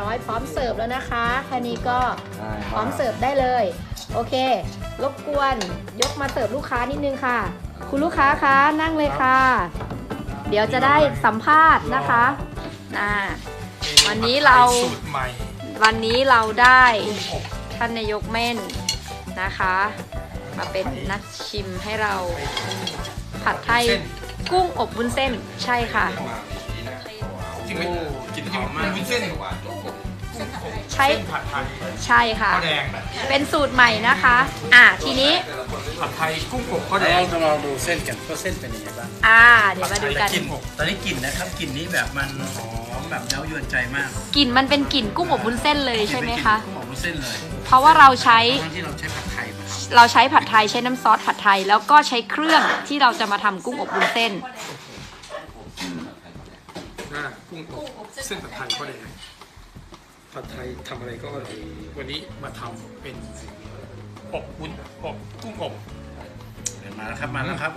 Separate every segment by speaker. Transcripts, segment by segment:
Speaker 1: ร้อยพร้อมเสิร์ฟแล้วนะคะแค่นี้ก็พร้อมเสิร์ฟได้เลยโอเครบกวนยกมาเสิร์ฟลูกค้านิดนึงค่ะคุณลูกค้าคะนั่งเลยค่ะ เดี๋ยวจะได้สัมภาษณ์นะคะวันนี้เราได้ท่านนายกเม่นนะคะมาเป็นนักชิมให้เราผัดไทยกุ้งอบวุ้นเส้นใช่ค่ะ
Speaker 2: จริงไหมกินหอมมากวุ้นเส้น
Speaker 1: ใช่
Speaker 2: ผัดไทย
Speaker 1: ใช่ค่ะ
Speaker 2: ข้าวแดง
Speaker 1: เป็นสูตรใหม่นะคะทีนี้
Speaker 2: ผัดไทยกุ้งอบข้าวแดง
Speaker 3: ลองดูเส้นกันว่าเส้นเป็นยังไงบ้าง
Speaker 1: เดี๋ยวมาดูกัน
Speaker 3: ตอนนี้กลิ่นนะครับกลิ่นนี้แบบมันหอมแบบเย้ายวนใจมาก
Speaker 1: กลิ่นมันเป็นกลิ่นกุ้งอบวุ้นเส้นเลยใช่ไหมคะ
Speaker 3: กุ้งอบวุ้นเส้นเลย
Speaker 1: เพราะว่าเราใช้
Speaker 3: ที่เราใช้ผัดไทย
Speaker 1: ใช้น้ำซอสผัดไทยแล้วก็ใช้เครื่องที่เราจะมาทำกุ้งอบวุ้นเส้น
Speaker 2: กุ้งอบเส้นผัดไทยข้าวแดงผัดไทยทำอะไรก็อร่อยวันนี้มาทำเป็นอบวุ้นอบกุ้งอบ
Speaker 3: มาแล้วครับ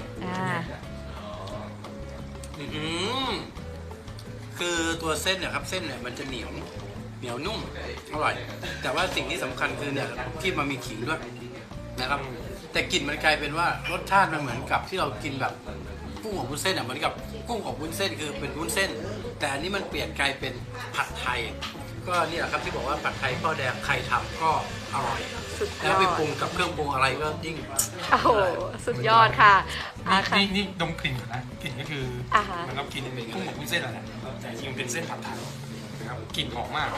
Speaker 3: คือตัวเส้นเนี่ยครับเส้นเนี่ยมันจะเหนียวนุ่มอร่อยแต่ว่าสิ่งที่สำคัญคือเนี่ยที่มันมีขิงด้วยนะครับแต่กลิ่นมันกลายเป็นว่ารสชาติมันเหมือนกับที่เรากินแบบกุ้งอบวุ้นเส้นเหมือนกับกุ้งอบวุ้นเส้นคือเป็นวุ้นเส้นแต่อันนี้มันเปลี่ยนกลายเป็นผัดไทยก็นี่แหละครับที่บอกว่าผัดไทยข้าวแดงใครทำก็อร่อยแล้วไปปรุงกับเครื่องปรุงอะไรก็ยิ่ง
Speaker 1: โอ้โหสุดยอดค่ะ
Speaker 2: นี่ดมกลิ่นก่อนนะกลิ่นก็คือมันก็กินเป็นกุ้งอบวุ้นเส้นอะไรนะแต่จริงมันเป็นเส้นผัดไทยนะครับกลิ่นหอมมาก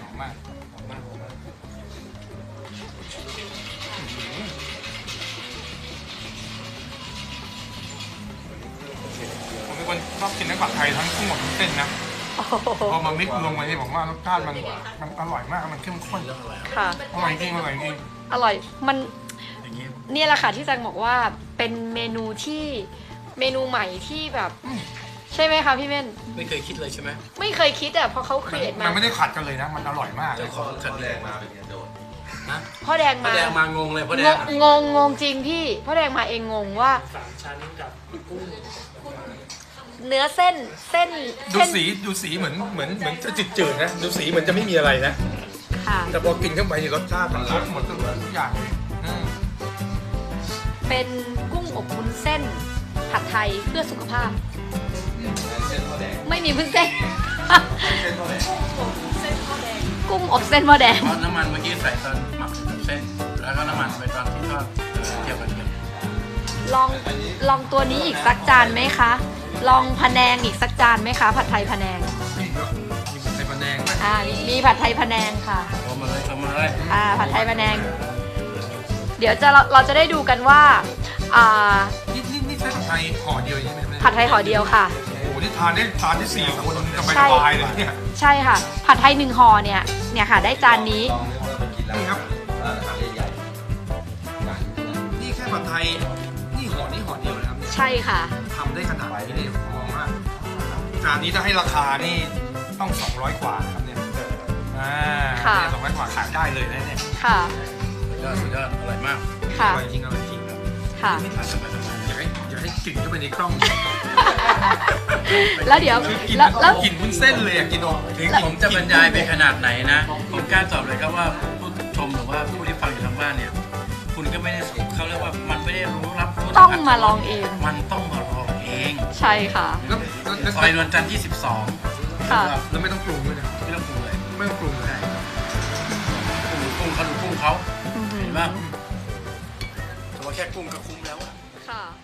Speaker 2: ผมเป็นคนชอบกินทั้งผัดไทยทั้งกุ้งอบวุ้นเส้นนะพอมามิกลงมานี่ผมว่ารสชาติมันอร่อยมากมันเข้มข้น
Speaker 1: ค่ะ
Speaker 2: อร่อยจริง
Speaker 1: อร่อยมันนี่แหละค่ะที่จังบอกว่าเป็นเมนูใหม่ที่แบบใช่ไหมคะพี่เม่น
Speaker 3: ไม่เคยคิดเลยใช่ไหม
Speaker 1: ไม่เคยคิดเพราะเขาครีเอทมา
Speaker 2: มันไม่ได้ขัดกันเลยนะมันอร่อยมาก
Speaker 3: เลยขัดแดงมาเป็นโดด
Speaker 1: นะพ่อแดง
Speaker 3: มางงเลยพ่อแดง
Speaker 1: งงจริงพี่พ่อแดงมาเองงงว่า
Speaker 2: 3 ชั้นกับกุ้ง
Speaker 1: เนื้อเส้น
Speaker 2: ดูสีเหมือนจะจืดๆนะดูสีเหมือนจะไม่มีอะไรนะแต่พอกินเข้าไปรสชาติมันครบหมดทุกอย่าง
Speaker 1: เป็นกุ้งอบวุ้นเส้นผัดไทยเพื่อสุขภาพไม่มีวุ้นเส้นกุ้งอบเส้นหม้อแดง
Speaker 3: น้ำมันเมื่อกี้ใส่ตอนหมักเส้นแล้วก็น้ำมันไปตอนที่ทอดเกี่ยวกับ
Speaker 1: ลองตัวนี้อีกสักจานไหมคะลองพะแนงอีกสักจานไหมคะผัดไทยพะแนง
Speaker 2: มีผัดไทยพะแนง
Speaker 1: มีผัดไทยพะแนงค่ะ
Speaker 3: เอามาเลย
Speaker 1: ผัดไทยพะแนงเดี๋ยวเราจะได้ดูกันว่า
Speaker 2: นี่ใช้ผัดไทยห่อเดียวใช่ไหม
Speaker 1: ผัดไทยห่อเดียวค่ะ
Speaker 2: โอ้โหนี่ทานได้4 คนสบายเลยเนี่ย
Speaker 1: ใช่ค่ะผัดไทย1 ห่อเนี่ยค่ะได้จานนี้
Speaker 2: นี่ครับนี่แค่ผัดไทยนี่ห่อเดียวนะครับ
Speaker 1: ใช่ค่ะ
Speaker 2: ทำได้ขนาดนี้เลยมองว่าจานนี้ถ้าให้ราคานี่ต้อง200 กว่าครับเนี่ย200 กว่าขายได้เลยนะเนี่ย
Speaker 1: ค่ะ
Speaker 3: สุดยอดอร่อยมาก
Speaker 2: อร่อยจริงครับไม่ทานสบายอย่าให้กลิ่นเข้าไปในกล้อง
Speaker 1: แล้วเดี๋ยว
Speaker 2: แล้วกลิ่นวุ้นเส้นเลยกิน
Speaker 3: ถึงผมจะบรรยายไปขนาดไหนนะผมกล้าตอบเลยครับว่าผู้ชมหรือว่าผู้ที่ฟังอยู่ทางบ้านเนี่ยคุณก็ไม่ได้เขาเรียกว่ามันไม่ได้รู้รับ
Speaker 1: ต้องมาลองเอง
Speaker 3: มันต้องมาลองเอง
Speaker 1: ใช่ค่ะ
Speaker 3: ซอยนวลจันทร์ที่12
Speaker 1: ค่ะ
Speaker 2: แล้วไม่ต้องปรุงด้วยนะ
Speaker 3: ไม่ต้องปรุงเลย
Speaker 2: ไม่ต้องปรุงเลย
Speaker 3: กุ้งเขาเห็นป่ะแต่ว่าแค่กุ้งก็คุ้มแล้ว
Speaker 1: ค่ะ